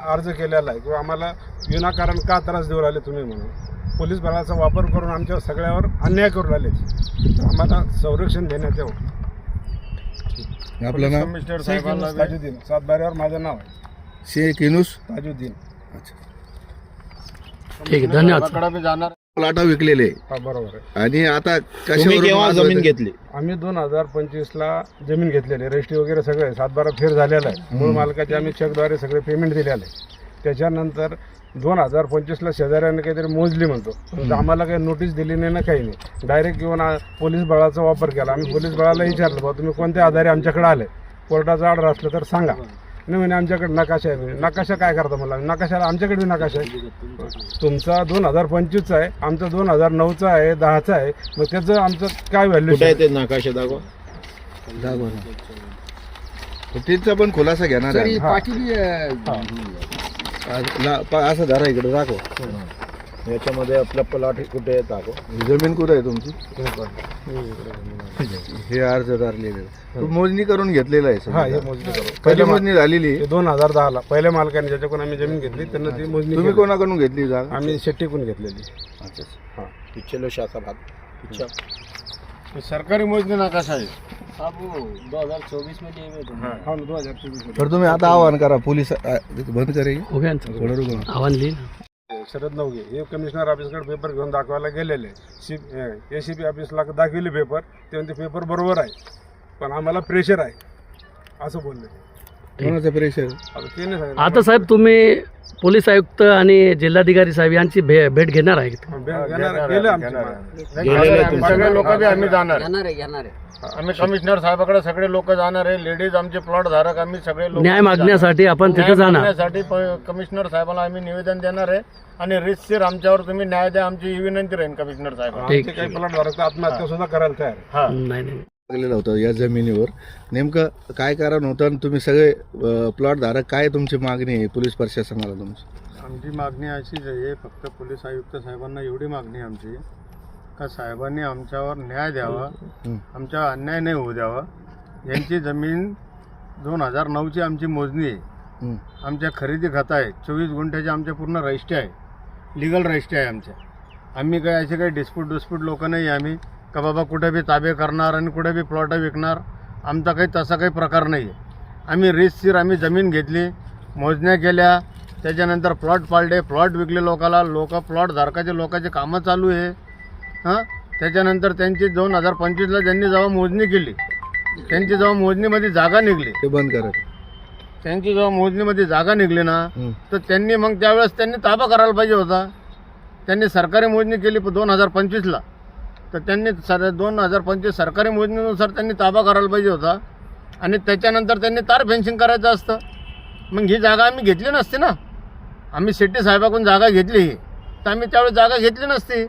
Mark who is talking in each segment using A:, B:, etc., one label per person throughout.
A: अर्ज केलेला आहे किंवा आम्हाला विनाकारण का त्रास देऊ राहिले तुम्ही म्हणून पोलीस बलाचा वापर करून आमच्या सगळ्यावर अन्याय करू राहिले, तर आम्हाला संरक्षण देण्यात यावं.
B: आपलं नाव?
A: कमिशनर साहेबांना ताजुद्दीन, सातबाऱ्यावर माझं नाव आहे
B: शेख युनुस
A: ताजुद्दीन.
B: अच्छा,
C: ठीक आहे, धन्यवाद.
B: प्लॉट विकलेले
A: हा बरोबर आहे.
B: आणि आता
D: तुम्ही केव्हा
B: कशावर
D: जमीन घेतली?
A: आम्ही 2025ला जमीन घेतलेली, रजिस्ट्री वगैरे सगळे 7-12 फेर झालेला आहे. मूळ मालकाचे आम्ही चेकद्वारे सगळे पेमेंट दिलेलं आहे. त्याच्यानंतर 2025ला शेजाऱ्याने काहीतरी मोजली म्हणतो, पण आम्हाला काही नोटीस दिली नाही ना, काही नाही. डायरेक्ट येऊन पोलीस बळाचा वापर केला. आम्ही पोलीस बळाला विचारलं, बाबा तुम्ही कोणत्या आधारे आमच्याकडे आले, कोर्टाचा ऑर्डर असलं तर सांगा. नाही म्हणे आमच्याकडे नकाशा आहे. नकाशा काय करता मला? नकाशाला आमच्याकडे नकाशा आहे. तुमचा 2025चा आहे, आमचा 2009चा आहे, 10चा आहे. मग त्याचं आमचं काय व्हॅल्यू
D: कुठे आहे ते नकाशे दाखवा.
B: तिचा पण खुलासा घेणार आहे. असं धरा इकडे दाखव.
D: याच्यामध्ये आपला प्लॉट कुठे आहे दाखव.
B: जमीन कुठे आहे तुमची? हे अर्जदार लिहिलेलं. तू मोजणी करून घेतलेलं आहे?
A: हा, हे मोजणी करू.
B: पहिली मोजणी झालेली आहे
A: 2010ला पहिल्या मालकाने ज्याच्याकडून आम्ही जमीन घेतली त्यांना ती मोजणी
B: तुम्ही
A: केली.
B: कोणाकडून घेतली जागा?
A: आम्ही शेट्टीकडून घेतलेली.
B: अच्छा,
A: हा,
D: पिछले शाखा भाग पिछा
A: सरकारी मोजणी नकाशा आहे.
C: 2024 मध्ये
A: हा, 2024
B: तर तुम्ही आता आवाहन करा पोलीस बंद करेल.
C: हो गया ना,
B: थोडं रुको.
C: आव्हान लिहिलं.
A: शरद नवगे हे कमिशनर ऑफिसकडे पेपर घेऊन दाखवायला गेलेले. ACP ऑफिसला दाखविले पेपर, ते म्हणते पेपर बरोबर आहे, पण आम्हाला प्रेशर आहे असं बोलले.
B: कोणाचं प्रेशर?
A: आता ते नाही सांगितलं.
C: आता साहेब तुम्ही पोलीस आयुक्त आणि जिल्हाधिकारी साहेब यांची भेट घेणार आहे का?
A: गेले आमचे
D: सगळे लोक बी आम्ही जाणार.
A: आम्ही कमिशनर साहेबाकडे सगळे लोक जाणार आहे. लेडीज आमचे प्लॉट धारक आम्ही सगळे लोक
C: न्याय मागण्यासाठी आपण तिथे जाणार.
A: मागण्यासाठी कमिशनर साहेबांना आम्ही निवेदन देणार आहे आणि रितसर आमच्यावर तुम्ही न्याय द्या, आमची ही विनंती राहील कमिशनर साहेब.
C: ठीक.
A: काही प्लॉट धारक आत्महत्या सुद्धा करायला तयार आहे.
C: नाही नाही,
B: लागलेलं होतं या जमिनीवर. नेमकं काय कारण होतं आणि तुम्ही सगळे प्लॉट धारक, काय तुमची मागणी आहे पोलीस प्रशासनाला तुमची?
A: आमची मागणी अशीच आहे, फक्त पोलीस आयुक्त साहेबांना एवढी मागणी आहे आमची का साहेबांनी आमच्यावर न्याय द्यावा, आमच्या अन्याय नाही होऊ द्यावा. यांची जमीन 2009ची आमची मोजणी आहे, आमच्या खरेदी खाता आहे, 24 गुंठ्याच्या आमच्या पूर्ण रजिस्ट्री आहे, लिगल रजिस्ट्री आहे आमच्या. आम्ही काही असे काही डिस्प्यूट लोक नाही आम्ही का बाबा कुठे बी ताबे करणार आणि कुठे बी प्लॉट विकणार. आमचा काही तसा काही प्रकार नाही आहे. आम्ही रितसर आम्ही जमीन घेतली, मोजण्या केल्या, त्याच्यानंतर प्लॉट पाळले, प्लॉट विकले लोकाला. प्लॉट धारकाचे लोकांचे कामं चालू आहे. हां, त्याच्यानंतर त्यांची 2025ला ज्यांनी जेव्हा मोजणी केली, त्यांची जेव्हा मोजणीमध्ये जागा निघली,
B: ते बंद करा.
A: त्यांची जेव्हा मोजणीमध्ये जागा निघली ना, तर त्यांनी मग त्यावेळेस त्यांनी ताबा करायला पाहिजे होता. त्यांनी सरकारी मोजणी केली 2025ला, तर त्यांनी 2025 सरकारी मोजणीनुसार त्यांनी ताबा करायला पाहिजे होता आणि त्याच्यानंतर त्यांनी तार फेन्सिंग करायचं असतं. मग ही जागा आम्ही घेतली नसती ना. आम्ही शेट्टी साहेबाकडून जागा घेतली तर आम्ही त्यावेळेस जागा घेतली नसती.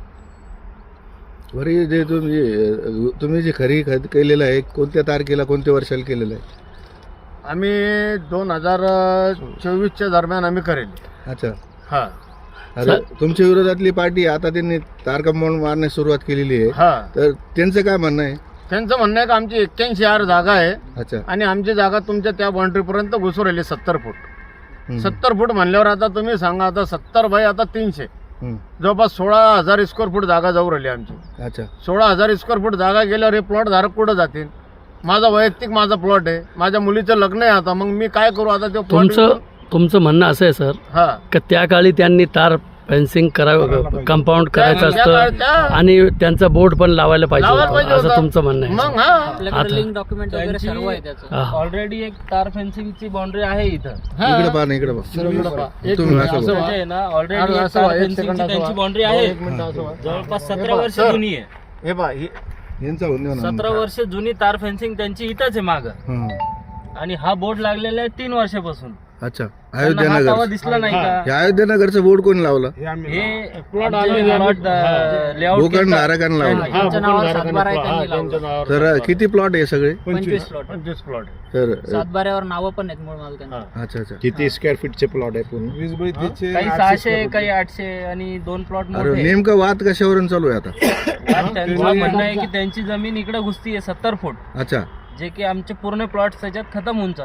B: बरी जे तुम्ही जे खरेदी केलेलं आहे, कोणत्या तारखेला कोणत्या वर्षाला केलेलं आहे?
A: आम्ही 2024च्या दरम्यान आम्ही करेल.
B: अच्छा.
A: हां.
B: अरे तुमच्या विरोधातली पार्टी आता त्यांनी तार कंपाऊंड मारण्यास सुरुवात केलेली आहे.
A: हां,
B: तर त्यांचं काय म्हणणं आहे?
A: त्यांचं म्हणणं आहे की आमची 81 जागा आहे.
B: अच्छा.
A: आणि आमची जागा तुमच्या त्या बाउंड्रीपर्यंत घुसून राहिली 70 फूट. 70 फूट म्हणल्यावर आता तुम्ही सांगा, आता 70 बाय आता 300, जवळपास 16,000 स्क्वेअर फूट जागा जाऊ राहिली आमची.
B: अच्छा.
A: 16,000 स्क्वेअर फूट जागा गेल्यावर हे प्लॉट धारक कुठं जातील? माझा वैयक्तिक माझा प्लॉट आहे, माझ्या मुलीचं लग्न आहे. आता मग मी काय करू? आता ते
C: तुमचं म्हणणं असं आहे सर
A: हा
C: का त्या काळी त्यांनी तार फेन्सिंग करावं, कंपाऊंड करायचं असतं आणि त्यांचा बोर्ड पण लावायला पाहिजे होतं, असं तुमचं म्हणणं आहे.
A: मग
E: आपल्याकडे लिंक डॉक्युमेंट वगैरे सर्व आहे त्याचं. ऑलरेडी एक तार फेन्सिंगची बाउंड्री आहे इथं.
B: इकडे पहा ना, इकडे पहा. तुम्ही असं बोला.
E: आहे ना, ऑलरेडी तार फेन्सिंगची त्यांची बाउंड्री आहे, जवळपास 17 वर्ष जुनी आहे.
A: हे बा,
B: यांचा होऊन
E: 17 वर्ष जुनी तार फेन्सिंग त्यांची इथंच आहे मागं. आणि हा बोर्ड लागलेला आहे 3 वर्षापासून.
B: अच्छा.
E: त्यांना हा
B: अयोध्यानगर
E: तवा दिसला नाही का?
B: हे अयोध्यानगरचं बोर्ड कोणी लावलं?
E: हे प्लॉट लेआउट
B: भूखंड धारकांनी लावलं.
E: त्यांच्या नावावर 7/12 आहे, त्यांनी लावलं.
B: तर किती प्लॉट आहे सगळे?
E: 25 प्लॉट.
A: 25 प्लॉट.
B: तर
E: 7/12 नावं पण आहेत मूळ मालकांना.
B: अच्छा अच्छा.
D: किती स्क्वेअर फीटचे प्लॉट आहे पूर्ण?
A: 20 बाय 30
E: काही 600, काही 800 आणि 2 प्लॉट
B: अरे
E: मोठे.
B: नेमकं वाद कशावरून चालू आहे आता?
E: त्यांचं म्हणणं आहे की त्यांची जमीन इकडे घुसती आहे 70 फूट,
B: अच्छा.
E: जे की आमचे पूर्ण प्लॉट त्याच्यात खतम होऊन चालले.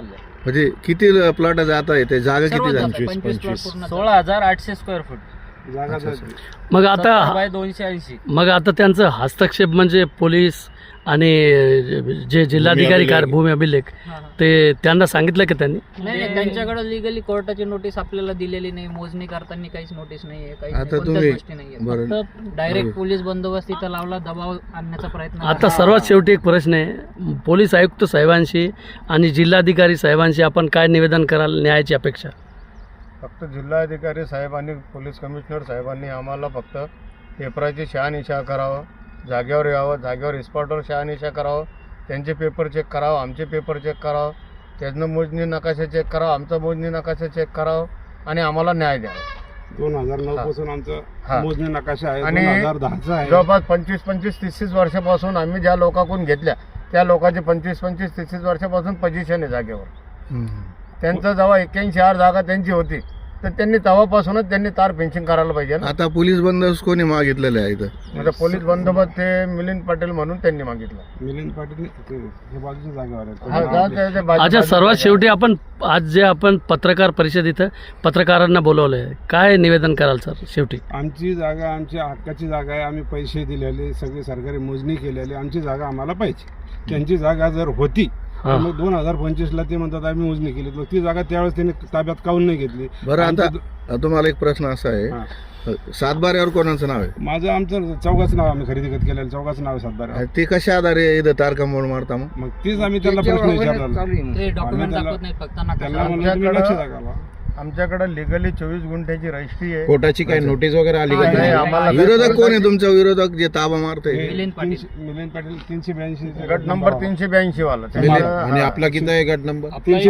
B: म्हणजे किती प्लॉट जात आहे ते जागा किती
F: सर्व
B: झाली?
F: 25 पूर्ण
E: 16,800 स्क्वेअर फूट
B: अच्छा, अच्छा.
C: मग आता
E: 70 बाय 280.
C: मग आता त्यांचं हस्तक्षेप म्हणजे पोलीस आणि जे जिल्हाधिकारी भूमी अभिलेख ते त्यांना सांगितलं की त्यांनी?
F: नाही त्यांच्याकडे लिगली कोर्टाची नोटीस आपल्याला दिलेली नाही, मोजणी करताना काहीच नोटीस नाहीये, काहीच
B: आता
F: नाही,
B: तुम्ही-
F: कोणत्याच गोष्टी नाहीये.
B: बरं.
F: फक्त डायरेक्ट पोलीस बंदोबस्त इथं लावला, दबाव आणण्याचा प्रयत्न
C: आता
F: केला.
C: सर्वात शेवटी एक प्रश्न आहे, पोलीस आयुक्त साहेबांशी आणि जिल्हाधिकारी साहेबांशी आपण काय निवेदन कराल न्यायाची अपेक्षा?
A: फक्त जिल्हाधिकारी साहेब आणि पोलीस कमिशनर साहेबांनी आम्हाला फक्त पेपराची शहानिशा करावं, जागेवर यावं, जागेवर स्पॉटवर शहानिशा करावं, त्यांचे पेपर चेक करावं, आमचे पेपर चेक करावं, त्यातनं मोजणी नकाशा चेक करावं, आमचा मोजणी नकाशा चेक करावं आणि आम्हाला न्याय द्यावा.
G: 2009 पासून आमचा
A: हा.
G: मोजणी नकाशा आहे,
A: आणि
G: 2010चा आहे.
A: जवळपास 25-30 वर्षापासून आम्ही ज्या लोकांकडून घेतल्या त्या लोकांचे 25-30 वर्षापासून पोझिशन आहे जागेवर.
B: हम्म.
A: त्यांचं जेव्हा 81 जागा त्यांची होती तर त्यांनी तेव्हापासूनच त्यांनी तार फेन्सिंग करायला पाहिजे ना.
B: आता पोलीस बंदोबस्त कोणी मागितलेलं आहे इथं?
A: म्हणजे पोलीस बंदोबस्त ते मिलिंद पाटील म्हणून त्यांनी मागितलं.
G: मिलिंद पाटील हे बाजूच्या जागेवर
A: हा,
G: आहे.
A: त्या बाजू-
C: अच्छा, सर्वात शेवटी आज जे आपण पत्रकार परिषद इथं पत्रकारांना बोलवलं आहे, काय निवेदन कराल सर शेवटी?
G: आमची जागा आमच्या हक्काची जागा आहे, आम्ही पैसे दिलेले, सगळी सरकारी मोजणी केलेली, आमची जागा आम्हाला पाहिजे. त्यांची जागा जर होती
C: हा.
G: मग 2025ला ते म्हणतात आम्ही मोजणी केली, मग ती जागा त्यावेळेस त्यांनी ताब्यात काऊन नाही घेतली?
B: बरं, आता
G: आमचं-
B: तुम्हाला एक प्रश्न असा आहे,
G: हा.
B: सातबाऱ्यावर कोणाचं नाव आहे?
G: माझं आमचं चौघाचं नाव आम्ही खरेदी केलेलं, चौघाचं नाव आहे सातबारा.
B: ते कशा आधारे इथं तार कंपाऊंड मारता मग?
G: मग तीच आम्ही त्यांना प्रश्न विचारला.
F: ते डॉक्युमेंट
G: त्याला-
F: दाखवत नाहीत, फक्त
G: त्यांना
F: नकाशा.
G: म्हणलं तुम्ही लक्ष दाखवा.
A: आमच्याकडे लिगली 24 गुंठ्याची रजिस्ट्री आहे.
D: कोर्टाची काही नोटीस वगैरे आली का?
A: नाही, आम्हाला
B: विरोधक कोण आहे तुमचा? विरोधक जे ताबा मारतोय?
F: मिलिंद पाटील.
G: मिलिंद पाटील 382
A: गट नंबर 382 वाला
D: आणि आपला किती आहे गट नंबर?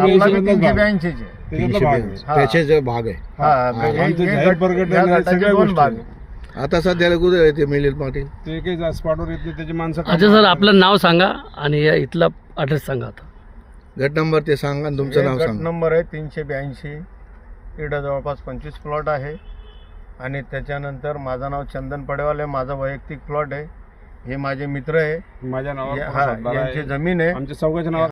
A: 382 चे.
G: त्याच्यातला भाग आहे.
D: त्याचे जे भाग आहे.
A: हा, हे
G: आमचं
A: गट-
G: जाहीर प्रकट
A: या
G: आहे,
A: गटाचे
G: सगळ्या
A: 2
G: गोष्टी
A: भाग
G: आहे.
A: आहे.
B: आता सध्याला कुठे आहे ते मिलिंद पाटील?
G: ते काही स्पॉटवर येत नाही, त्याची माणसं
C: अच्छा सर, आपलं नाव सांगा आणि या इथला ॲड्रेस सांगा आता.
B: गट नंबर ते सांगा आणि तुमचं
A: हे
B: नाव
A: गट
B: सांगा.
A: नंबर आहे 382. इकडं जवळपास 25 प्लॉट आहे आणि त्याच्यानंतर माझं नाव चंदन पडेवाल आहे, माझा वैयक्तिक प्लॉट आहे. हे माझे मित्र आहे,
G: माझ्या नावावर
A: हा,
G: सातबारा आहे.
A: यांची जमीन आहे.
G: आमच्या चौघाच्या नावावर